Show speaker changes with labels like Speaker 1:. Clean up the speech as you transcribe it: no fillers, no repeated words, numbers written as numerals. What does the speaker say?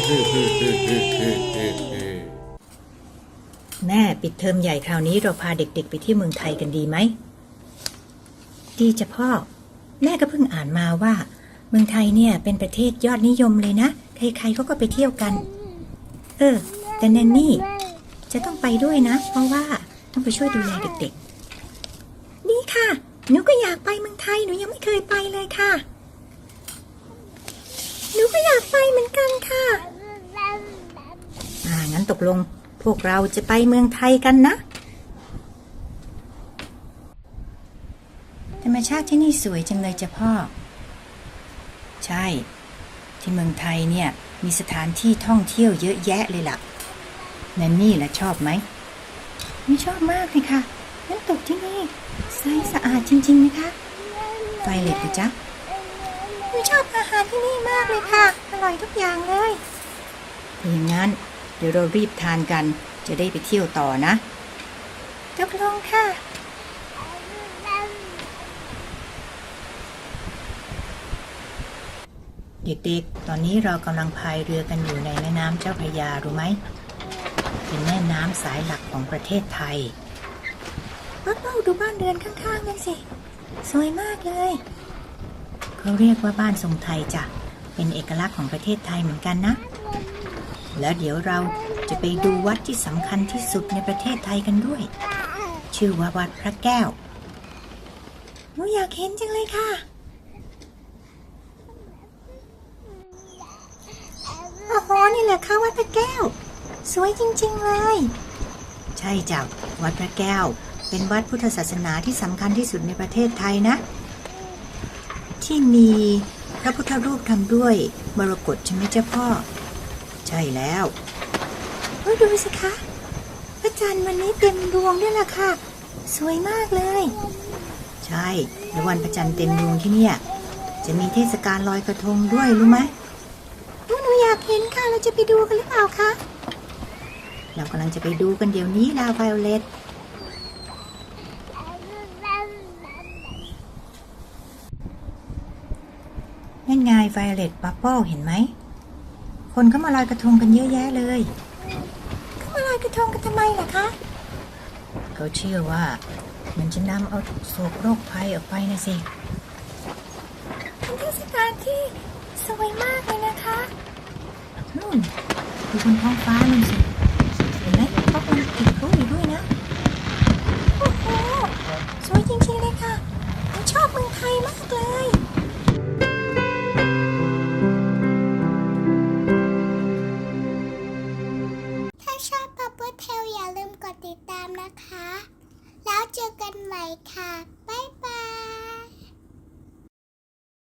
Speaker 1: แม่ปิดเทอมใหญ่คราวนี้เราพาเด็กๆไปที่เมืองไทยกันดีไหมดีจ้ะพ่อแม่ก็เพิ่งอ่านมาว่าเมืองไทยเนี่ยเป็นประเทศยอดนิยมเลยนะใครๆเขาก็ไปเที่ยวกันแต่แนนนี่จะต้องไปด้วยนะเพราะว่าต้องไปช่วยดูแลเด็กๆนี่ค่ะหนูก็อยากไปเมืองไทยหนูยังไม่เคยไปเลยค่ะหนูก็อยากไปเหมือนกันค่ะงั้นตกลงพวกเราจะไปเมืองไทยกันนะธรรมชาติที่นี่สวยจังเลยจ้ะพ่อใช่ที่เมืองไทยเนี่ยมีสถานที่ท่องเที่ยวเยอะแยะเลยล่ะแนนนี่ล่ะชอบไหมไม่ชอบมากเลยค่ะน้ำตกที่นี่ใสสะอาดจริงๆนะคะไฟเล็ตจ๊ะไม่ชอบอาหารที่นี่มากเลยค่ะอร่อยทุกอย่างเลยอย่างนั้นเดี๋ยวเรารีบทานกันจะได้ไปเที่ยวต่อนะตกลงค่ะเด็กๆตอนนี้เรากำลังพายเรือกันอยู่ในแม่น้ำเจ้าพระยารู้ไหมเป็นแม่น้ำสายหลักของประเทศไทยว้าวดูบ้านเรือนข้างๆกันสิสวยมากเลยเขาเรียกว่าบ้านทรงไทยจ้ะเป็นเอกลักษณ์ของประเทศไทยเหมือนกันนะแล้วเดี๋ยวเราจะไปดูวัดที่สำคัญที่สุดในประเทศไทยกันด้วยชื่อว่าวัดพระแก้วหนูอยากเห็นจังเลยค่ะโอ้โหนี่แหละค่ะวัดพระแก้วสวยจริงๆเลยใช่จ้ะวัดพระแก้วเป็นวัดพุทธศาสนาที่สำคัญที่สุดในประเทศไทยนะที่มีพระพุทธรูปทำด้วยมรกตใช่ไหมเจ้าพ่อใช่แล้วดูสิคะพระจันทร์วันนี้เต็มดวงด้วยล่ะค่ะสวยมากเลยใช่ในวันพระจันทร์เต็มดวงที่เนี่ยจะมีเทศกาลลอยกระทงด้วยรู้ไหมหนูอยากเห็นค่ะเราจะไปดูกันหรือเปล่าคะเรากำลังจะไปดูกันเดี๋ยวนี้ลาไวโอเลตนั่นไงไวโอเลตบับเบิ้ลเห็นไหมคนก็มาลอยกระทงกันเยอะแยะเลยเขามาลอยกระทงกันทำไมล่ะคะเขาเชื่อว่ามันจะนำเอาโศกโรคภัยออกไปนะสิเป็นเทศกาลที่สวยมากเลยนะคะนู่นดูบนท้องฟ้านู่นสิเห็นไหมเขากำลังติดพลุอยู่ด้วยนะโอ้โหสวยจริงๆเลยค่ะผมชอบเมืองไทยมากเลย
Speaker 2: ถ้าชอบบับเบิ้ลเทลอย่าลืมกดติดตามนะคะแล้วเจอกันใหม่ค่ะบ๊าย